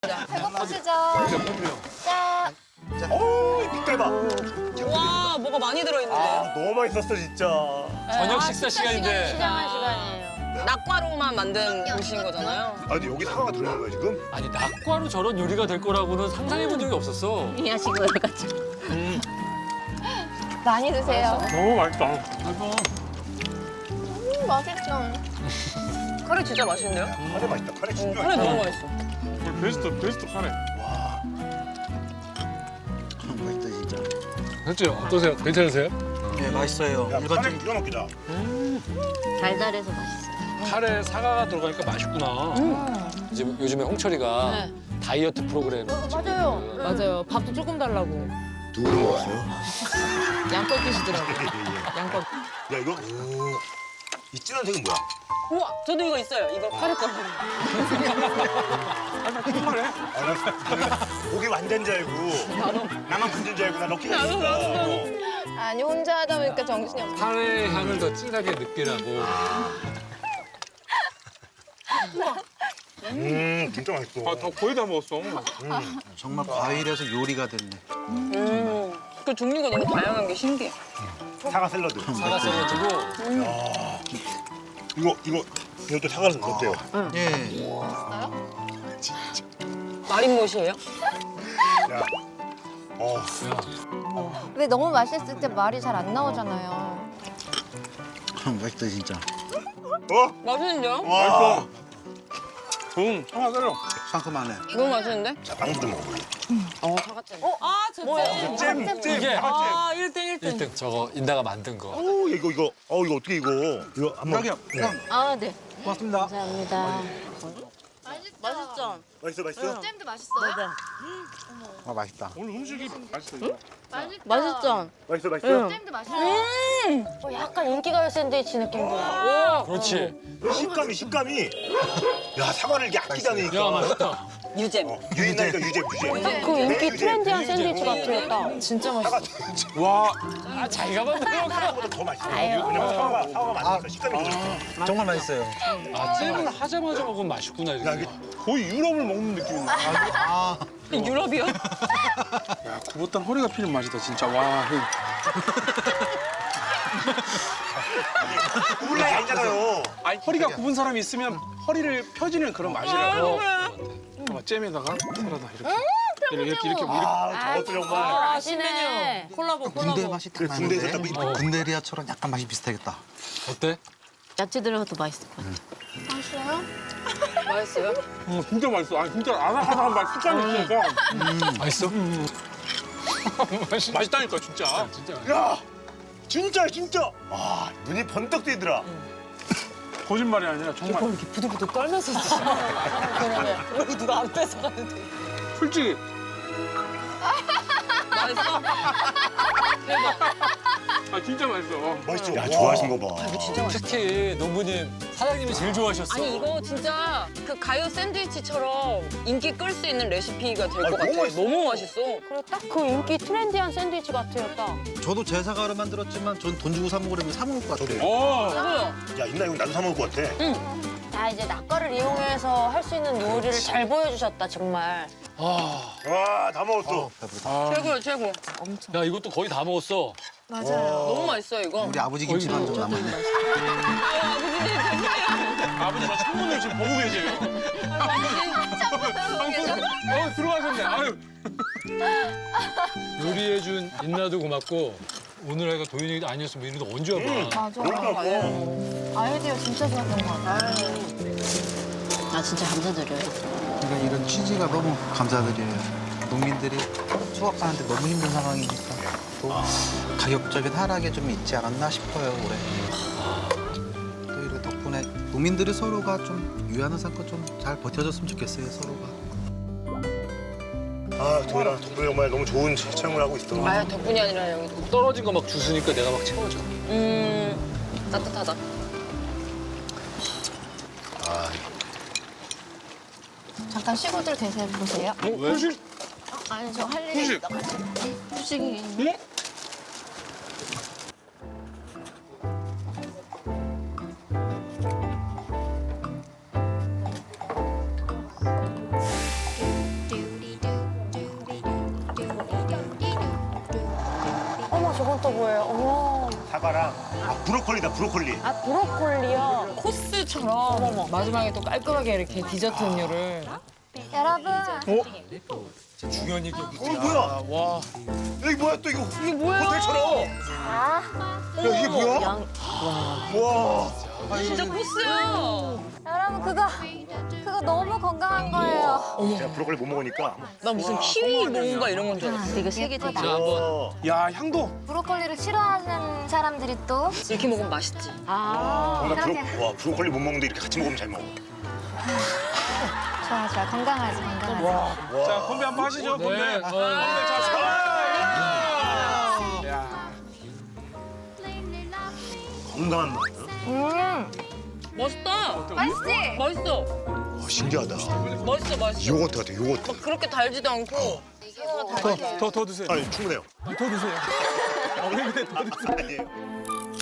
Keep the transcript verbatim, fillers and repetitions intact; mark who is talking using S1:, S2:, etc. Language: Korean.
S1: 배고프시죠? 짠.
S2: 어우, 빛깔 봐.
S3: 와, 뭐가 많이 들어있는데요?
S2: 아, 너무 맛있었어, 진짜.
S4: 저녁 식사 시간인데.
S1: 시장한 시간이에요.
S3: 낙과로만 만든 음식인 거잖아요.
S2: 아, 근데 여기 사과가 들어있는 거야, 지금?
S4: 아니 낙과로 저런 요리가 될 거라고는 상상해 본 적이 없었어.
S1: 이 야식으로 가지고. 많이 드세요.
S4: 너무 맛있다.
S1: 음, 맛있죠.
S3: 카레 진짜 맛있는데요?
S2: 카레 맛있다, 카레
S3: 응,
S2: 진짜
S3: 카레
S2: 맛있다.
S3: 너무 맛있어.
S4: 베스트 베스트 카레.
S5: 맛있다 진짜.
S4: 현재 어떠세요? 괜찮으세요?
S5: 네 맛있어요.
S2: 야, 카레
S5: 일반적인
S2: 기가 막히다.
S1: 달달해서 맛있어요.
S4: 카레에 사과가 들어가니까 맛있구나. 이제 요즘에 홍철이가 다이어트 프로그램.
S1: 맞아요.
S3: 맞아요. 밥도 조금 달라고.
S2: 누구 먹었어요?
S3: 양껏 드시더라고요. 양껏.
S2: 야, 이거. 오. 이 진한 색은 뭐야?
S3: 우와, 저도 이거 있어요. 이거 카레 거.
S2: 아, 나, 나 고기 완전 줄 알고. 나만 분진 줄 알고 나 넣기가 있어. 어.
S1: 아니 혼자 하다 보니까 정신이 없어.
S4: 카레 향을 더 진하게 느끼라고.
S2: 음, 진짜 맛있어.
S6: 아, 다 거의 다 먹었어.
S5: 정말 과일에서 요리가 됐네.
S3: 음, 그 종류가 너무 다양한 게 신기해.
S2: 사과 샐러드.
S4: 사과 샐러드고.
S2: 이거, 이거, 이것도 사과 샐러드 어때요?
S5: 예.
S3: 마린못이에요?
S2: 야. 어.
S1: 왜 너무 맛있을 때 말이 잘 안 나오잖아요.
S5: 맛있다 진짜.
S2: 어?
S3: 맛있는데요?
S2: 와.
S6: 응, 하나 때려.
S5: 상큼하네.
S3: 너무 맛있는데?
S2: 자, 빵도 좀 먹어볼래.
S3: 어, 사과잼. 어, 아, 저 잼.
S2: 잼, 잼.
S4: 이게
S3: 아, 일 등, 일 등.
S4: 일 등 저거 인다가 만든 거.
S2: 어우, 이거, 이거. 어, 이거 어떻게 이거. 이거 한번.
S5: 여기요. 형,
S1: 아 네.
S5: 고맙습니다.
S1: 감사합니다.
S3: 맛있죠?
S2: 맛있어, 맛있어?
S1: 잼도 맛있어요?
S5: 아 맛있다.
S6: 오늘 음식이 맛있어. 이거.
S3: 맛있죠?
S2: 맛있어, 맛있어?
S1: 잼도 맛있어요. 어, 약간 인기가요 샌드위치 느낌이야.
S4: 그렇지.
S2: 식감이, 식감이. 야, 사과를 이렇게 아끼지 않으니까.
S4: 야 맛있다.
S3: 유잼.
S2: 어, 유인나니까 유잼, 유잼.
S1: 그 인기
S2: 유잼,
S1: 트렌디한
S2: 유잼.
S1: 샌드위치 같아요. 딱.
S3: 진짜 맛있어.
S6: 와,
S4: 아 자기가 만든 거.
S2: 사과보다 더 맛있어. 왜냐면 사과가, 사과가 많으니까 식감이 더 좋아.
S5: 정말 맛있어요.
S4: 아 잼을 하자마자 먹으면 맛있구나
S2: 야,
S4: 이렇게.
S2: 이게
S6: 거의 유럽을 먹는 느낌인데.
S5: 아,
S3: 유럽이요?
S6: 야, 굽었던 허리가 피는 맛이다, 진짜. 와, 형.
S2: 구울 나이 아니잖아요.
S6: 아니, 허리가 굽은 사람이 있으면 허리를 펴지는 그런 맛이라고. 봐봐, 잼에다가 사라다, 이렇게. 이렇게, 이렇게, 이렇게.
S2: 아, 저것도 정말.
S1: 아시네.
S3: 콜라보,
S5: 군대
S3: 콜라보.
S5: 맛이 딱
S2: 그래, 군대에서
S5: 나는데.
S2: 딱 이-
S5: 군대리아처럼 약간 맛이 비슷하겠다.
S4: 어때?
S1: 야채 들어가도 맛있을 것 같아.
S3: 맛있어요?
S6: 음, 진짜 맛있어. 아니, 진짜 아삭아삭한 맛, 식감이 있으니까.
S4: 맛있어? 맛있.
S6: 맛있다니까, 진짜.
S4: 진짜.
S2: 야, 진짜, 진짜. 와, 눈이 번쩍 뜨이더라.
S6: 거짓말이 아니라 정말.
S3: 이렇게 부들부들 떨면서 드시는 그러면 여기 누가 안 뺏어가는데.
S6: 솔직히.
S3: 맛있어?
S6: 아, 진짜 맛있어.
S2: 맛있죠? 야, 좋아하신 거 봐.
S3: 진짜 맛있어.
S4: 특히 노부님 사장님이 제일 좋아하셨어.
S3: 아니 이거 진짜 그 가요 샌드위치처럼 인기 끌 수 있는 레시피가 될
S2: 아니,
S3: 것
S2: 너무
S3: 같아요.
S2: 맛있어.
S3: 너무 맛있어.
S1: 그리고 딱 그 인기 트렌디한 샌드위치 같아요. 딱.
S5: 저도 제 사과로 만들었지만 전 돈 주고 사 먹으려면 사 먹을 것 같아요.
S6: 어.
S3: 저도요.
S2: 야, 있나 이거 나도 사 먹을 것 같아.
S1: 자 이제 낙과를 이용해서 할 수 있는 요리를 잘 보여주셨다 정말.
S4: 아,
S2: 와, 다 먹었어.
S6: 아,
S3: 최고요 최고.
S4: 야 이것도 거의 다 먹었어.
S3: 너무 맛있어요 이거.
S5: 우리 아버지 김치만 좀 남았네.
S3: 아, 아버지는 죄송해요.
S6: 아버지 저 창문을 지금 보고 계세요. 어, 들어가셨네. 아유.
S4: 요리해준 인나도 고맙고 오늘 애가 도윤이 아니었으면 이리도 언제 와봐.
S1: 맞아.
S2: 그러니까.
S1: 아이디어 진짜 좋았던 것 같아요. 아 진짜 감사드려요.
S5: 그러니까 이런 취지가 너무 감사드려요. 농민들이 수확하는데 너무 힘든 상황이니까 또 가격적인 하락에 좀 있지 않았나 싶어요 올해. 또 이렇게 덕분에 농민들이 서로가 좀 유한한 상권 좀 잘 버텨줬으면 좋겠어요 서로가.
S2: 아, 도현아, 덕분에 정말 너무 좋은 체험을 하고 있어.
S3: 아 덕분이 아니라 여기.
S4: 떨어진 거 막 주스니까 내가 막 채워줘.
S3: 음 따뜻하다.
S1: 잠깐 쉬고들 대세해 보세요.
S6: 어, 후식?
S1: 아니 저 할 일이
S6: 후식.
S1: 있어가지고. 후식이.
S6: 응?
S1: 뭐예요? 어머.
S2: 사과랑 아 브로콜리다 브로콜리.
S1: 아 브로콜리요.
S3: 코스처럼 마지막에 또 깔끔하게 이렇게 디저트 음료를.
S7: 여러분
S4: 중요한 얘기.
S2: 어 뭐야?
S6: 와.
S2: 여기 뭐야 또 이거?
S3: 이게 뭐야?
S2: 호텔처럼.
S7: 자
S2: 야 이게 뭐야?
S1: 양.
S2: 와.
S3: 진짜 코스야.
S7: 여러분 그거 그거 너무 건강한 거예요.
S2: 제가 브로콜리 못 먹으니까.
S3: 나 무슨 키위 뭔가 이런 건 줄 알았어.
S1: 이거 세개 되게.
S2: 어.
S6: 야 향도.
S7: 브로콜리를 싫어하는 사람들이 또
S3: 이렇게 먹으면 맛있지.
S1: 아.
S2: 나 브로,
S7: 그렇게.
S2: 와 브로콜리 못 먹는데 이렇게 같이 먹으면 잘 먹어.
S7: 좋아 좋아 건강하지 건강하지.
S6: 자 건배 한번 하시죠. 건배.
S4: 네. 어.
S6: 건배 자 사과. 야.
S2: 건강한 맛.
S7: 음
S3: 맛있다.
S7: 맛있지?
S3: 맛있어.
S2: 와 신기하다.
S3: 맛있어, 맛있어.
S2: 요거트 같아 요거트.
S3: 막 그렇게 달지도 않고.
S6: 더 더 더 드세요.
S2: 아니 충분해요.
S6: 더 드세요. 아, 왜 그래 더 드세요.
S2: 아니에요.